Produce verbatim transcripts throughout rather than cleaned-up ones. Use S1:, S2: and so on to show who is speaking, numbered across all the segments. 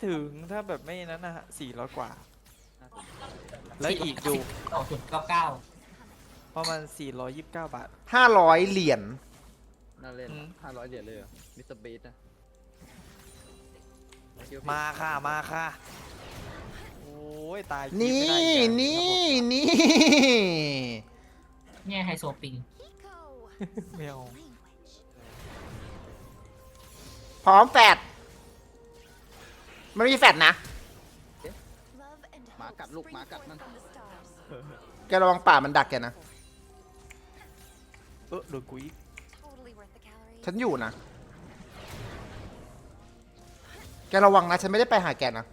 S1: ถึงถ้าแบบไม่นั้นนะฮะสี่ร้อยกว่าแล้วอีกดู
S2: สองจุดเก้าเก้า
S1: ประมาณสี่ร้อยยี่สิบเก้าบาท
S3: ห้าร้อยเหรียญ
S4: น่าเล่น
S1: อืม
S4: ห้าร้อยเหรียญเลยเหรอมิสเตอร์บีทนะ
S1: มาค่ะมาค่ะโอ้ยตายคิด
S3: นี่
S1: ไม่ได้อีกอะ
S3: นี่นี่
S2: เนี่ยไฮโซปิง
S1: ไม่เอา
S3: พร้อมแฟดมันมีแฟดนะ
S4: หมากัดลูกหมากัดมัน
S3: แกระวังป่ามันดักแกนะ
S1: เออโดนกูอีก
S3: ฉันอยู่นะ แกระวังนะฉันไม่ได้ไปหาแกนะ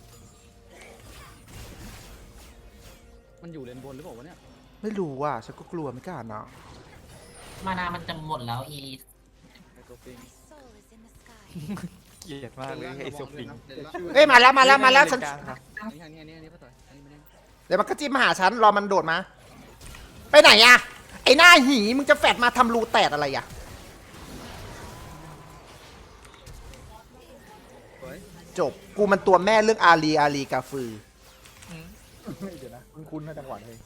S4: มันอยู่เลนบนหรือเปล่าวะเนี่ย
S3: ไม่รู้ว่ะฉันก็กลัวไม่กล้านะ
S2: มานามันจะหมดแล้วอี
S4: ไอตัวปิง
S1: เกลียดมากเลยไอ้โซปิง
S4: เดี๋ยวละ
S3: เอ้ยมาแล้วมาแล้วมาแล้วฉัน
S1: กลางครับ
S4: นี่อันนี้อันนี้อันนี้พ่อต่อยอันนี้ไม่ได้
S3: เดี๋ยวมันก็จิ้มมาหาฉันรอมันโดดมา ไปไหนอะไอ้หน้าหีมึงจะแฟดมาทำรูแตกอะไรอะ
S4: เฮ้ย
S3: จบกูมันตัวแม่เรื่องอาลีอาลีกาฟือ
S1: อืม
S5: เดี๋ยวนะคุณคุณนะจังหวะเลย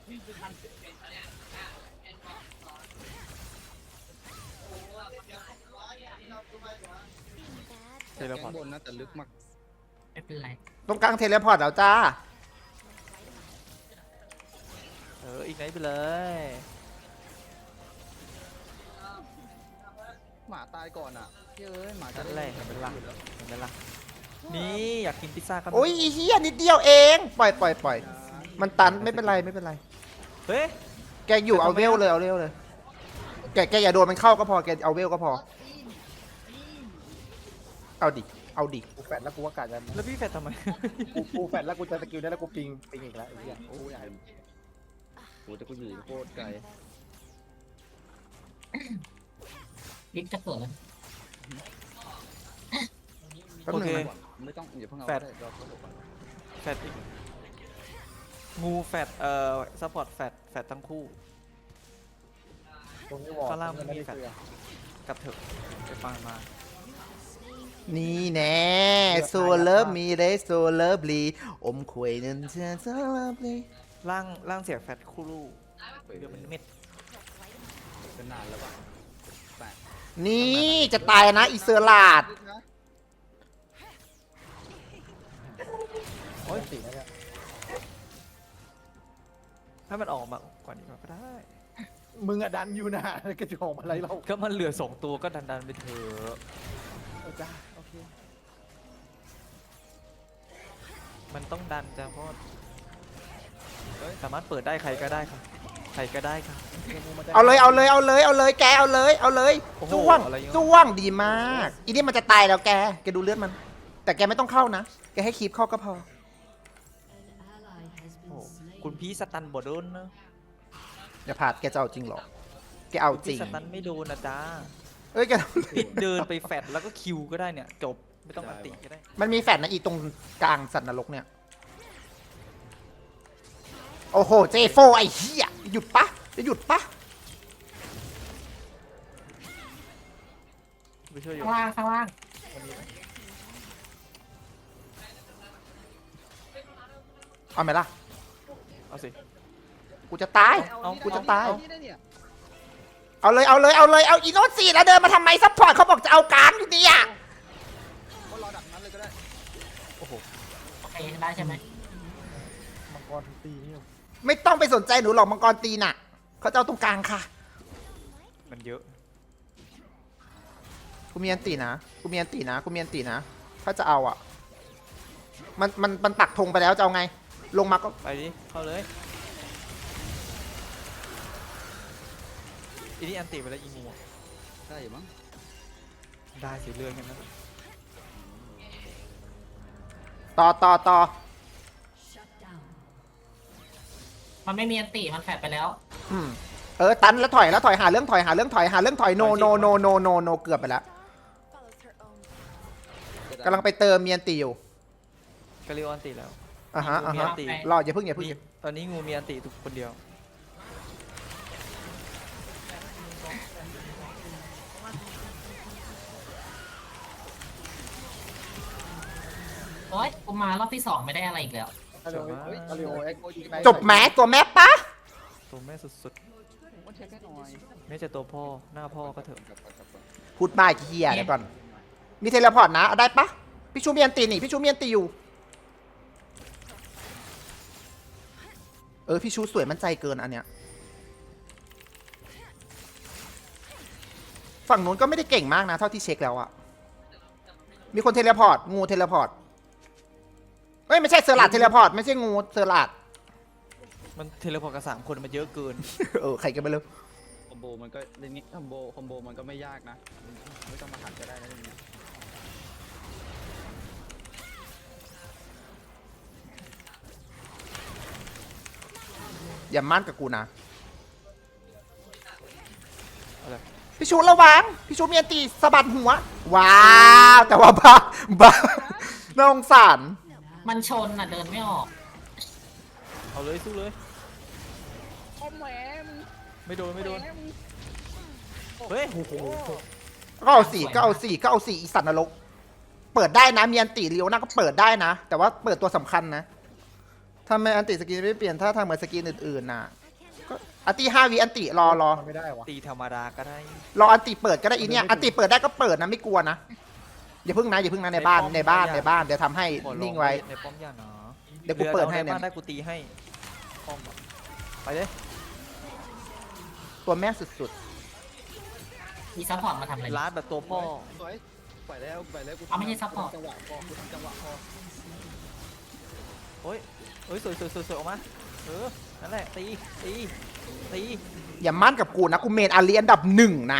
S1: เทเลพอร์ต
S4: บนนะแต่ลึกมาก
S2: ไม่เป็นไร
S3: ตรงกลางเทเลพอร์ตแล้วจ้า
S1: เอออีกไหนไปเลย
S4: หมาตายก่อนอ่ะเฮ้ยหมาจะ
S1: นั่น
S4: ได้
S1: แหละเห็นไหมล่ะเห็นไหมล่ะนี่อยากกินพิซซ่าก็
S3: โอ้ยอีเหี้ยนิดเดียวเอง ปล่อยปล่อยปล่อยมันตันไม่เป็นไรไม่เป็นไร
S1: เฮ้ย
S3: แกอยู่เอาเวลเลยเอาเวลเลย แกแกอย่าโดนมันเข้าก็พอแกเอาเวลก็พอ เอาดิ เอาดิ
S5: กูแฟดแล้วกูว่ากาจะ
S1: แล้วพี่แฟดทำไม
S5: กูกูแฟดแล้วกูจะสกิลได้แล้วกูปิงปิงอีกแล้วไอ้เหี้ย
S4: โอ้ยใหญ่โอ้แต่กูอยู่โคตรไกล
S2: ลิฟต์จะเกิดแล้ว
S3: แป๊บ
S1: โอ
S3: นึ
S1: เค
S3: งนะ
S4: ไม่ต้องอย่าเพิ่งเอา
S1: แฟด
S4: ได้รอเขาบอกก่อน
S1: แฟดอีกงูแฟดเอ่อซัพพอร์ตแฟดแฟดทั้งคู่
S5: ตรงนี้วอล
S1: ข้างล่าง
S5: ไม่
S1: ไม่มี
S5: ได้
S1: แฟลช
S5: เสือ
S1: กลับเถอะไปฟังมา
S3: นี่แน่โซเลิฟมีเรสโซเลิฟลีอมขวยนั่นเธอโซเลิฟลี
S1: ร่างร่างเสียแฟดคู่ลูกเดี๋ยวมันเม็ด
S4: เป็นนานแล้วป่ะแปด
S3: นี่จะตายนะอีเซอร์ลาด
S4: ลึกนะ
S5: โอ้ยสี่นะเนี่ย
S1: ถ้ามันออกมาก่อนนี้ก็ได้
S5: มึงอะดันอยู่นะกระจอกอะไรเรา
S1: ก็มันเหลือสองตัวก็ดันๆไปเถอะ
S5: เออจ้าโอเค
S1: มันต้องดันจ้ะเพราะสามารถเปิดได้ใครก็ได้ค่ะใครก็ได้ค่ะ
S3: เอาเลยเอาเลยเอาเลยเอาเลยแกเอาเลยเอาเลย
S1: โอ้โห
S3: จ้วง
S1: อะไรอย่างเงี้ย
S3: จ้วงดีมากอีนี่มันจะตายแล้วแกแกดูเลือดมัน แต่แกไม่ต้องเข้านะแกให้คีบเข้าก็พอ
S1: โอ้โหคุณพี่สตันบอดโดนนะ
S3: อย่าพลาดแกจะเอาจริงเหรอแกเอา
S1: คุณ
S3: จริ
S1: พี่
S3: ง
S1: สตันไม่โดนนะจ๊ะ
S3: เอ้ยแก
S1: พิดเดินไปแฟดแล้วก็คิวก็ได้เนี่ยจบไม่ต้องอันติก็ได้
S3: มันมีแฟดนะอีตรงกลางสัตว์นรกเนี่ยโอ้โหเจโฟไอ้เหี้ยหยุดปะจะหยุดปะ
S1: ไปช่วยอยู่
S2: ข้างล่างข้างล่าง
S3: เอาไหมล่ะ
S1: เอาสิ
S3: กูจะตาย
S1: เอา
S3: กูจะตาย
S4: นี่ได้เนี่ย
S3: เอาเลยเอาเลยเอาเลยเอาอีโนสี่แล้วเดินมาทำไมซัพพอร์ตเขาบอกจะเอากลางอยู่เนี่ย
S4: ก็รอดักนั้นเลยก็ได้
S1: โอ้โห
S2: โอเคได้ใช่ไหม
S5: มังกรตีนี่
S3: ไม่ต้องไปสนใจหนูหรอกมังกรตีน่ะเขาจะเอาตรงกลางค่ะ
S1: มันเยอะ
S3: กูมีอันตีนะกูมีอันตีนะกูมีอันตีนะ ถ้าจะเอาอ่ะ มันมันมันปักธงไปแล้วจะเอาไง ลงมาก็
S1: ไปดิเข้าเลยอีนี่อันติไปแล้วอีงูอะ
S4: ได้อยู่มั้ง
S1: ได้สิเรื่องกันนะ
S3: ต่อต่อต่อ
S2: มันไม่มีอันติมันแฟดไปแล้ว
S3: อืมเออตันแล้วถอยแล้วถอยหาเรื่องถอยหาเรื่องถอยหาเรื่องถอยโนโนโนโนโนโนเกือบไปแล้วกำลังไปเติมเมียนตีอยู่
S1: กาลิโออันติแล้ว
S3: อ่ะฮะอ่ะ
S1: มี
S3: ฮะ
S1: อันติ
S3: รออย่าเพิ่งอย่าเพิ่ง
S1: มีตอนนี้งูมีอันติทุกคนเดียว
S2: โอ๊ยกูมารอบที่สองไม่ได้อะไรอีกแล้ว
S5: อาริโอเฮ้ยอาริโอเอ็กซ์
S3: จบแม้ตัวแม่ปะ
S1: ตัวแม่สุด
S4: ผมว่าเช็คแค่หน่อย
S1: ๆแม้จะตัวพ่อหน้าพ่อก็เถอะ
S4: กลับก่อนกลับก่อน
S3: พูดมาเฮียเดี๋ยวก่อน มีเทเลพอร์ตนะเอาได้ปะพี่ชูเมียนตีนี่พี่ชูเมียนตีอยู่ เออพี่ชูสวยมั่นใจเกินอันเนี้ยฝั่งนู้นก็ไม่ได้เก่งมากนะเท่าที่เช็คแล้วอะมีคนเทเลพอร์ตงูเทเลพอร์ตเอ้ยไม่ใช่เซอร์ลัดเทเลพอร์ตไม่ใช่งูเซอร์ลัด
S1: มันเทเลพอร์ตกับสามคนมันเยอะเกิน
S3: เออใครกันไปเลย
S4: คอมโบมันก็เล่นนี้คอมโบคอมโบมันก็ไม่ยากนะไม่ต้องมาหันก็ได้นะอย่างเงี้ย
S3: อย่ามั่นกับกูนะ
S1: อะไร
S3: พี่ชูระวังพี่ชูเมียนตีสะบัดหัว ว้าวแต่ว่าบ้าบ้าน่าสงสาร
S2: มันชนอ่ะเดินไม่ออก
S1: เอาเลยสู้เลย
S4: คอมแหมมึง
S1: ไม่โดนไม่โดน
S4: แหมึง
S1: เฮ้ย
S4: โอ้โห
S3: ก็เอาสี่ก็เอาสี่ก็เอาสี่อีสัตว์นรก เปิดได้นะมีอันติเลียวหน้าก็เปิดได้นะ แต่ว่าเปิดตัวสำคัญนะทำไมอันติสกินไม่เปลี่ยนถ้าทำเหมือนสกินอื่นๆน่ะก็อันติห้าวิอันติรอรอ
S5: มันไม่ได้วะ
S1: ตีธรรมดาก็ได้
S3: รออันติเปิดก็ได้อีเนี่ยอันติเปิดได้ก็เปิดนะไม่กลัวนะอย่าพึ่งนะอย่าพึ่งนะในบ้านในบ้านในบ้านเดี๋ยวทำให้
S1: ขอลอ
S3: นิ่งไว้
S1: ในป้อมยาหนา
S3: เดี๋ยวกูเปิดให้เนี่ย
S1: บ้านได้กูตีให้ป้อมอะไปเลย
S3: ตัวแม่สุด
S2: มีซัพพอร์ตมาทำอะไร
S1: ร้านแบบตัวพ่อ
S4: สวยปล่อยแล้วปล่อยแล้วกู
S2: เอาไม่ใช่ซัพพอร์ต
S4: จังหวะพอกูทำจังหวะพอ
S1: โอ้ยเอ้ยสวยสวยสวยสวยออกมา เออ นั่นแหละ ตี ตี ตี
S3: ๆอย่ามั่นกับกูนะกูเมนอารีอันดับหนึ่งนะ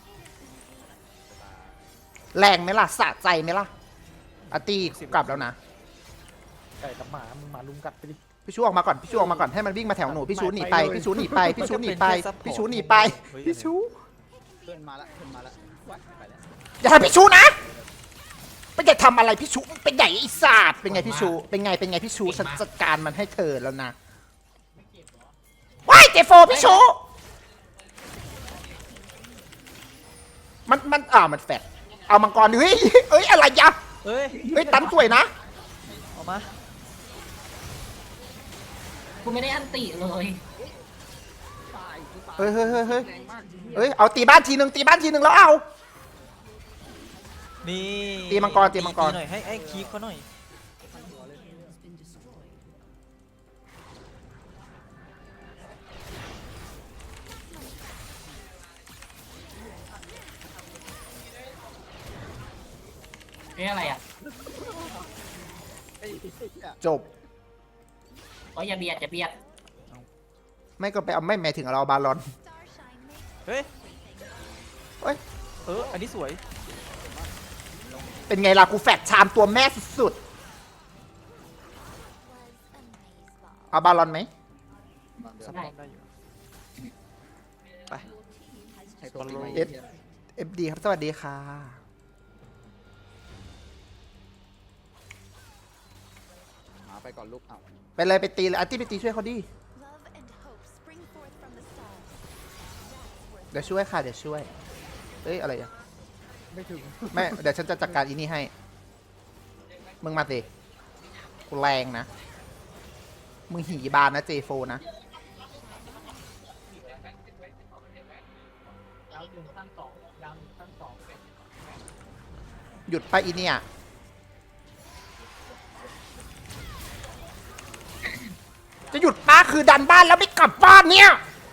S3: แรงไหมล่ะสะใจไหมล่ะอาร์ตีกลับแล้วนะ
S5: ไก่กับหมามึงหมาลุมกัดไปดิ
S3: พี่ชูออกมาก่อนพี่ชูออกมาก่อนให้มันวิ่งมาแถวหนูพี่ชูหนีไปพี่ชูหนีไปพี่ชูหนีไปพี่ชูหนีไปพี่ชู
S4: เพื่อนมาละเพื่อนมาละวัดไปแล้ว
S3: อย่าทำพี่ชูนะไม่จะทำอะไรพี่ชูเป็นใหญ่ไอ้ศาสตร์เป็นไงพี่ชูเป็นไงเป็นไงพี่ชูฉันจัดการมันให้เธอแล้วนะว้ายเจโฟพี่ชูมันมันอ่ามันแฟดเอามังกรดิเฮ้ยเอ้ยอะไรยะ
S1: เฮ้ย
S3: เฮ้ยตันสวยนะ
S1: ออกมา
S2: กูไม่ได้อันติเลย
S4: ตายกูตาย
S3: เฮ้ยเฮ้ยเฮ้ยเฮ้ย
S4: แรงมาก
S3: เฮ้ยเอาตีบ้านทีหนึ่งตีบ้านทีหนึ่งแล้วเอา
S1: นี่
S3: ตีมังกรตีมังกร
S1: หน่อยให้ไอ้คีฟเขาหน่อย
S2: นี่อะไรอ่ะ
S4: ไอ้เหี้ย
S3: จบ
S2: โอ้ยอย่าเบียดอย่าเบียด
S3: ไม่ก็ไปเอาไม่หมายถึงเราบาลอน
S1: เฮ้ย
S3: เฮ้ย
S1: เออ อันนี้สวย
S3: เป็นไงล่ะกูแฟดชามตัวแม่สุดๆเอาบาลอนไหม
S4: มาเดี๋ยว
S1: สปอร์ตได้อยู่ ไป
S4: ให้ตัวตีใหม่
S3: เอฟ เอฟดีครับสวัสดีค่ะ
S4: หาไปก่อนลูกเอ้า
S3: ไปเลยไปตีเลยอาร์ตี้ไปตีช่วยเขาดิ
S6: Love and hope spring forth from the soul.
S3: เดี๋ยวช่วยค่ะเดี๋ยวช่วย เอ้ยอะไรอ่ะ
S5: ไม่ถึง
S3: ไม่เดี๋ยวฉันจะจัดการอีนี่ให้ มึงมาสิกูแรงนะ มึงหีบานนะเจโฟนะ หยุดไปอีเนี่ย จะหยุดป้าคือดันบ้านแล้วไม่กลับบ้านเนี่ย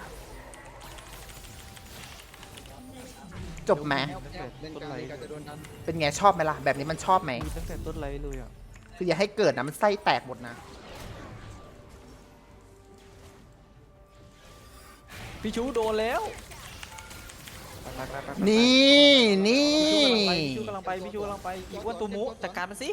S3: จบไหม
S4: เล่นกลางเล่นกลางจะโดนดัน
S3: เป็นไงชอบไหมล่ะ แบบนี้มันชอบไหม
S1: ดูตั้งแต่ต้นไลฟ์เลยอ่ะ
S3: คืออย่าให้เกิดนะ มันไส้แตกหมดนะ
S1: พี่ชูโดนแล้วไปไปไปไปไป
S3: นี่นี่
S1: พี่ชูกำลังไป พี่ชูกำลังไป พี่ชูกำลังไป อีกว่าตัวมุจัดการมันสิ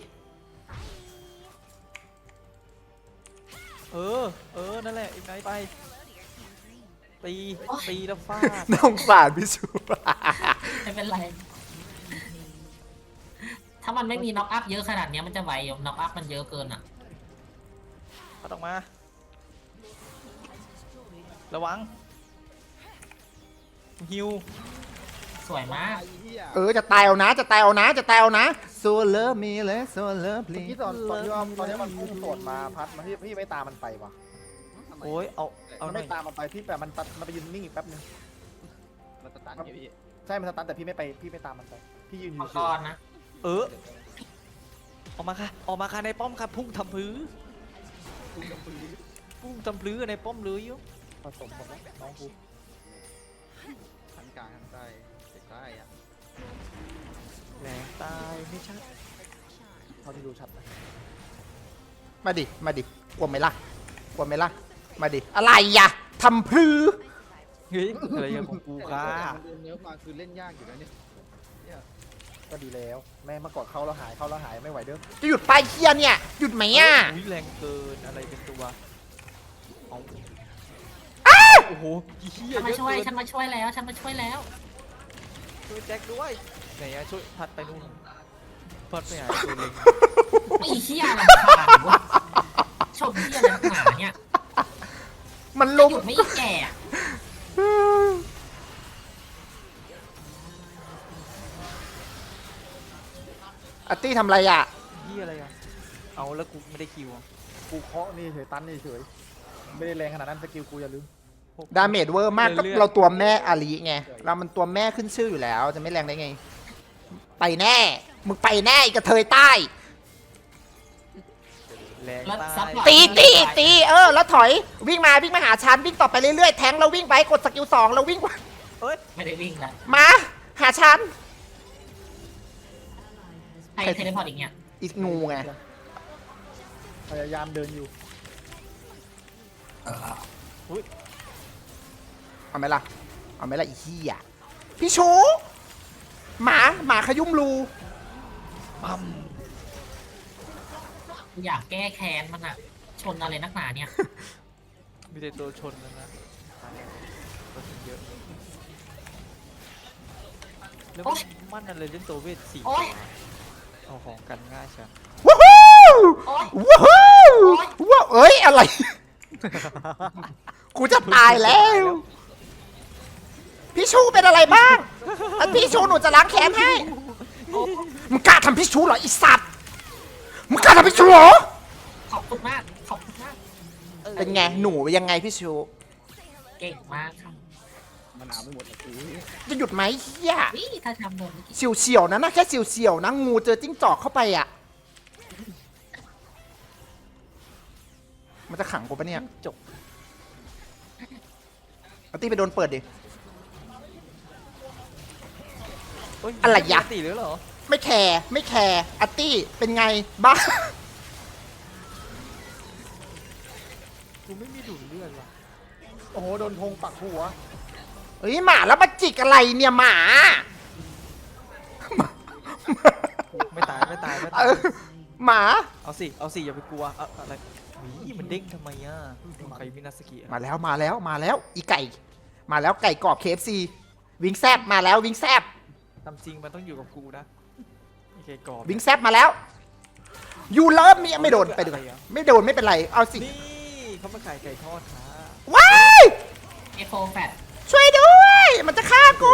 S1: เออ เออ นั่นแหละ อีกไหนไป ตี ตีแล้วฟาด
S3: น้องสารพี่ชู
S2: ไม่เป็นไร ถ้ามันไม่มีน็อกอัพเยอะขนาดเนี้ยมันจะไหวอยู่น็อกอัพมันเยอะเกินอ่ะ
S1: พัดออกมา ระวังฮิว
S2: สวยมาก
S4: ไอ้เหี้ย
S3: เออจะตายเอานะ จะตายเอานะ จะตายเอานะ so love me เลย so love
S5: เมื่อ
S3: me
S5: กี้ตอนตอนที่ว่าตอนนี้มันพุ่งโสดมาพัดมาพี่พี่ไม่ตามมันไปวะ
S1: โอ้ยเอาเอา
S5: มัน
S1: หน่
S5: ไม่
S1: อย
S5: ตามมันไปพี่แบบมันตัดมันไปยืนนิ่งอีกแป๊บนึง
S4: มันสตันอยู่พี่
S5: ใช่มันสตันแต่พี่ไม่ไปพี่ไม่ตามมันไปพี่ยืนอ
S2: มั
S5: ยู่
S2: ง
S5: เฉ
S2: ก
S5: ย
S2: รนะ
S1: เออออกมาค่ะออกมาค่ะในป้อมค่ะพุ่งทำพื้นพุ่งทำพื้นในป้อมเลยอยู่
S5: ผสมหมดแล้วน้องกู
S4: ทันกลางทันใต้เด็กใต้อะ
S1: แหลงตายไม่ใช่
S5: เท่าที่ดูชัดนะ
S3: มาดิ มาดิ กลัวไหมล่ะ กลัวไหมล่ะ มาดิ อะไรอ่ะทำพลือ
S1: เฮ้ยอะไรอย่างของกูค่ะ
S4: มันเดินเนื้อมาคือเล่นยากอยู่นะเนี่ยเนี่ย
S5: ก็ดีแล้วแม่เมื่อก่อนเข้าแล้วหายเข้าแล้วหายไม่ไหวเด้อ
S3: จะหยุดไปเฮียเนี่ย หยุดไหมอ่ะ
S1: อุ้ยแรงเกินอะไรเป็นตัวเอาโอ้โหเฮีย
S2: ฉัน
S1: เย
S2: มา
S1: อะ
S2: ช่วย
S1: เกิน
S2: ฉันมาช่วยแล้วฉันมาช่วยแล้ว
S1: ช่วยแจ็คด้วยไหนอะช่วยพัดไปนู่นพัดไปหาตัวเล็ง
S2: ไม่เฮียอะไรขาดวะชมเฮียอะไรหนาเนี่ย
S3: มันล
S2: จะ
S3: ม
S2: หยุดไม่แก่
S3: อาร์ตี้ทำอะไรอ่ะ
S1: เฮียอะไรอะเอาแล้วกูไม่ได้คิวอะ
S5: กูเคาะนี่เฉยตันนี่เฉยไม่ได้แรงขนาดนั้นสกิลกูอย่าลืม
S3: ดาเมจเวอร์มากก็เราตัวแม่อาลีไง เรามันตัวแม่ขึ้นชื่ออยู่แล้ว จะไม่แรงได้ไง ไปแน่ มึงไปแน่อีกกระเทยใต้
S1: แรง
S2: แล้ว
S1: ตา
S2: ซับ
S1: ย
S2: พอร์ต
S3: ตีตีตีเออ แล้วถอย วิ่งมาวิ่งมาหาฉันวิ่งต่อไปเรื่อยๆ แทงเราวิ่งไปกดสกิลสองเราวิ่งไป
S1: เอ้ย
S2: ไม่ได้วิ่งนะ
S3: มา หาฉัน
S2: ใครเทเลพอร์ตอีกเนี่ย
S3: อีกงูไง
S5: พยายามเดินอยู่
S3: เอาไหมล่ะ เอาไหมล่ะอีขี้อ่ะพี่ชู หมา หมาขยุ่มรู
S1: ปั๊ม
S2: อยากแก้แค้นมันอะชนอะไรนักหนาเนี่ย
S1: มีแต่ตัวชนนะนะตัวชนเยอะแล้ว
S2: โอ๊ย
S1: มันอะไรเล่นตัวเวทสี่
S2: โอ๊ย
S1: เอาของกันง่ายใช่
S3: ว้าว
S2: โอ๊ย
S3: ว้าว
S2: โอ๊ย
S3: ว้าวเอ้ยอะไร กูจะตายแล้ว พี่ชูเป็นอะไรบ้างอันพี่ชูหนูจะล้างแค้นให้ มึงกล้าทำพี่ชูเหรอไอีสัตว์ มึงกล้าทำพี่ชูเหรอ
S2: ขอบคุณมาก ขอบคุณมาก
S3: เป็นไง หนูยังไงพี่ชู
S2: เก่งมากค่ะ
S4: มันหนาวไปหมดอะกู
S3: จะหยุดไหมเฮีย
S2: วิถ้าทำโดนเมื่อกี้
S3: เฉียวเฉียวๆนะนะแค่เฉียวเฉียวๆนะงูเจอจิ้งจอกเข้าไปอ่ะ มันจะขังกูปะเนี่ย
S1: จบ
S3: เอาตี้ไปโดนเปิดดิ
S1: เอ้ย
S3: อะไรยะ
S1: ตีหรือเหรอ
S3: ไม่แคร์ไม่แคร์อาร์ตี้เป็นไงบ้า
S1: กูไม่มีดูดเลือดว่ะ
S5: โอ้โหโดนธงปักหัว
S3: เฮ้ยหมาแล้วมาจิกอะไรเนี่ยหมา
S1: ไม่ตายไม่ตายไม่
S3: เอ
S1: ตาย
S3: อหมา
S1: เอาสิเอาสิอย่าไปกลัวอะอะไรหวีมันเด้งทำไมอ่ะใครมินาสกิอะ
S3: มาแล้วมาแล้วมาแล้วอีไก่ มาแล้วไก่กรอบ เค เอฟ ซี วิงแซบมาแล้ววิงแซบ
S1: ตามจริงมันต้องอยู่กับกูนะโอเคกรอบ
S3: วิงแซบมาแล้วยูเลิฟมีไม่โดนไปดีกว่าไม่โดนไม่เป็นไรเอาสิ
S1: นี่เขามาขายไก่ทอดค่ะ
S3: ว้าย
S2: เอโฟแฟด
S3: ช่วยด้วย มันจะฆ่ากู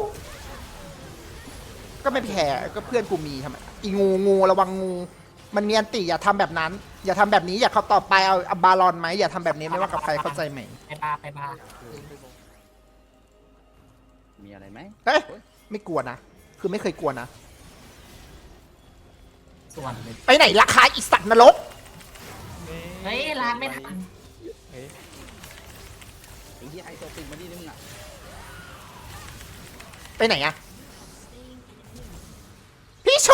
S3: ก็ไม่แพ้ก็เพื่อนกูมีทำไมอีงูงูระวังงู มันมีอันติอย่าทำแบบนั้น อย่าทำแบบนี้อย่าเขาต่อไปเอาเอาบาลอนไหมอย่าทำแบบนี้ไม่ว่ากับใครเข้าใจไหม
S2: ไปบาร์ไปบาร์
S4: มีอะไรไหม
S3: เฮ้ยไม่กลัวนะ คือไม่เคยกลัวนะ
S2: ส่วน
S3: ไปไหนราคาอีสัตว์นรก
S2: เฮ้ยล้างไม่ทัน
S1: เฮ้ย
S4: ไอ้เหี้ยไอ้ตัวปิงมาดินึงอ่ะ
S3: ไปไหนอะพี่ชู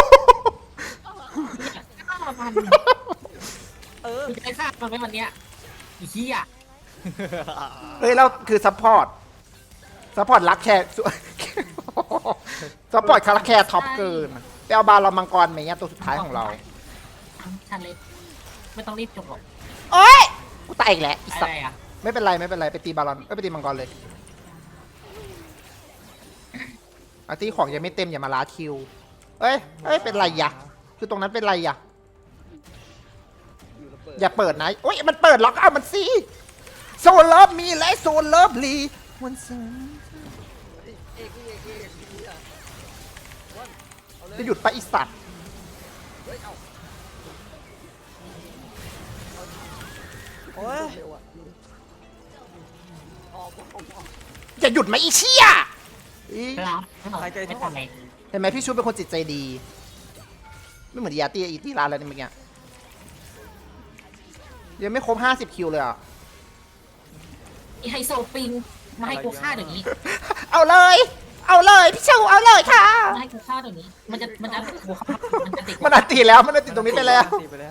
S2: ฆ่ามัน
S1: เออ
S2: คุณจะไปฆ่ามันไหมวันเนี้ยอีเหี้ย
S3: เฮ้ยเราคือซัพพอร์ตซัพพอร์ตรักแคร์ ซัพพอร์ตคาราแคร์ท็อปเกินไปเอาบาลอนมังกรไหมเนี่ยตัวสุดท้ายของเรา
S2: ชันเลยไม่ต้องรีบจบหรอก
S3: โอ๊ยกูตายอีกแล้วอี
S2: อะ
S3: สัต
S2: ไร
S3: ว์
S2: อ่ะ
S3: ไม่เป็นไรไม่เป็นไรไปตีบาลอนเอ้ยไปตีมังกรเลยอาร์ตี้ของยังไม่เต็มอย่ามาล้าคิวเอ้ยเอ้ยเป็นไรยะคือตรงนั้นเป็นไรยะ
S4: อยู่แล้วเปิด
S3: อย่าเปิดนะโอ๊ยมันเปิดล็อกเอามันสิโซเลิฟมีและโซเลิฟลีวันเสาร์
S4: เอกเอกเอก
S3: จะหยุดปะไอสัตว์
S1: โอ้ย
S3: จะหยุดไหมไอีเชี่ยอี
S2: ครับไม่ทำอะไร
S3: เห็นไหมพี่ชูเป็นคนจิตใจดี ไม่เหมือนอีอาร์ตี้อีตี้ร้านอะไรนี่เมื่อกี้ยังไม่ครบห้าสิบคิวเลยอ่ะ
S2: ไอไฮโซปิงมาให้กูฆ่าเดี๋ยวนี้
S3: เอาเลย เอาเลยพี่ชูเอาเลยค่ะ
S2: มาให้กูฆ่าเดี๋ยวนี้ มันจะมันจะกูฆ่ามันจะติด
S3: มันอัดตีแล้วมันอัดตีตรงนี้ไปแล้ว
S1: ตีไปแล้ว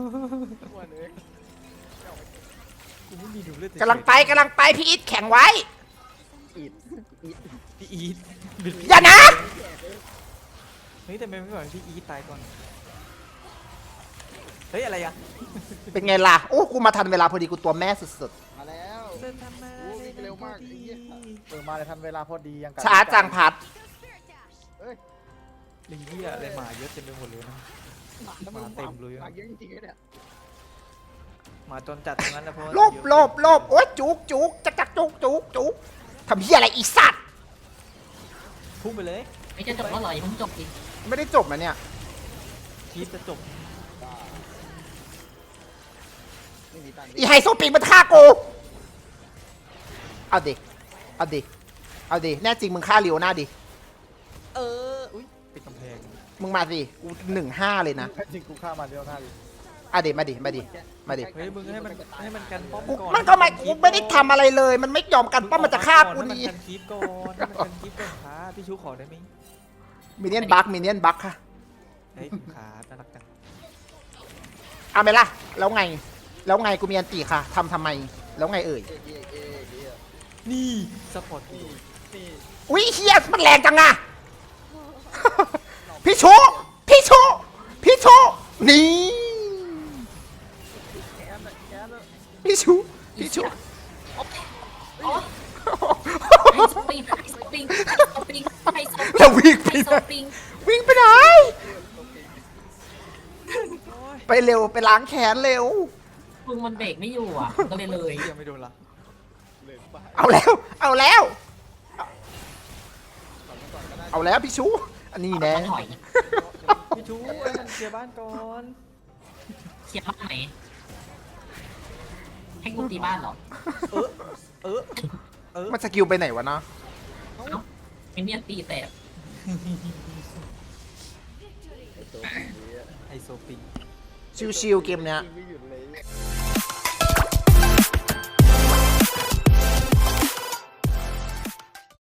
S1: กูไม่มีดูเลือด
S3: กำลังไปกำลังไปพี่อิทแข็งไว้
S4: อีดอีด
S1: พี่อีท
S3: อย่านะ
S1: เฮ้ยแต่ไม่ไม่ไหวพี่อีทตายก่อนเฮ้ยอะไรอะ
S3: เป็นไงล่ะ โอ้ กูมาทันเวลาพอดีกูตัวแม่สุด
S4: มาแล้ว
S1: เดินทำมา
S4: โอ้วิ่งเร็วมากไอ้เหี้ย
S5: เออมาเลยทันเวลาพอดียังกั
S3: ๆ ช้าจังพัด
S4: เอ้ย
S1: ลิงเหี้ยอะไรหมาเยอะเต็มไปหมดเลยนะ
S4: แล้วน
S1: มาเต็มเลยอะ
S4: หมาเยอะจริงๆเนี่ย
S1: หมาจนจัดตรงนั้นแหละเพราะว่า
S3: ลบลบลบโอ๊ยจุกจุกจักจักจุกจุกจุกทำเหี้ยอะไรอีสัตว์
S1: พุ่งไปเลย
S2: ไม่จะจบแล้วเหรออย่าเพิ่งจบดิ
S3: ไม่ได้จบนะเนี่ย
S1: คีบจะจบ
S4: ไม่มีตังค์
S3: อีไฮโซปิงมันฆ่ากู เอาดิ เอาดิ เอาดิ แน่จริงมึงฆ่าเลียวหน้าดิ
S1: เอออุ้ยปิดกำแพง
S3: มึงมาสิ กูหนึ่งห้าเลยนะ
S5: จริงกูฆ่ามาเดียวหน้าดิ
S3: เอาดิ มาดิ มาดิ มาดิ
S1: เฮ้ยมึงให้มันให้มันกันป้อม
S3: กู
S1: ก่อน
S3: มันก็ไม่กูไม่ได้ทำอะไรเลย มันไม่ยอมกันป้อมมันจะฆ่ากู
S1: ให้มัน
S3: นี่
S1: กันคีบก่อนให้มันกันคีบก่อนขาพี่ชูขอได้ไหม
S3: มิเนียนบัคมิเนียนบัคค่ะ
S1: เฮ้ยขาน่ารักจัง
S3: เอาไหมล่ะ แล้วไง แล้วไงกูมีอันตีค่ะทำทำไม แล้วไงเอ่ย
S4: เอ๊ะเอ๊ะเอ๊ะเอ๊ะ
S1: นี่สปอร์ตกู
S4: นี่
S3: อุ้ยเฮียมันแรงจังอะ พี่ชูพี่ชูพี่ชูนี่
S4: แค้นอะแค้นอะ
S3: พี่ชูพี่ชู
S2: อ๋อไฮโซปิงไฮโซปิงไฮโซปิงไฮโซปิง
S3: แล้ววิ่งไป
S2: ไฮโซ
S3: ไหน
S2: ปิง
S3: วิ่งไปไหน ไปเร็วไปล้างแค้นเร็ว
S2: มึงมันเบรกไม่อยู่อ่ะมึงก็เลยเลย
S1: ยังไม่โดนละ
S4: เหลืองไป
S3: เอาแล้ว เอาแล้ว เอาแล้วพี่ชูอันนี้แน่
S2: มันถอย
S1: พี่ชูให้มันเคลียร์บ้านก่อน
S2: เคลียร์บ้านไหนให้กูตีบ้านเหรอ
S1: เออเออเออ
S3: มันสกิลไปไหนวะเนาะ
S2: เอ้าไอเนี่ยตีแต่
S1: ไอโซปิง
S3: ชิวๆเกมเนี้ย
S4: วิ่งไม่หยุดเลย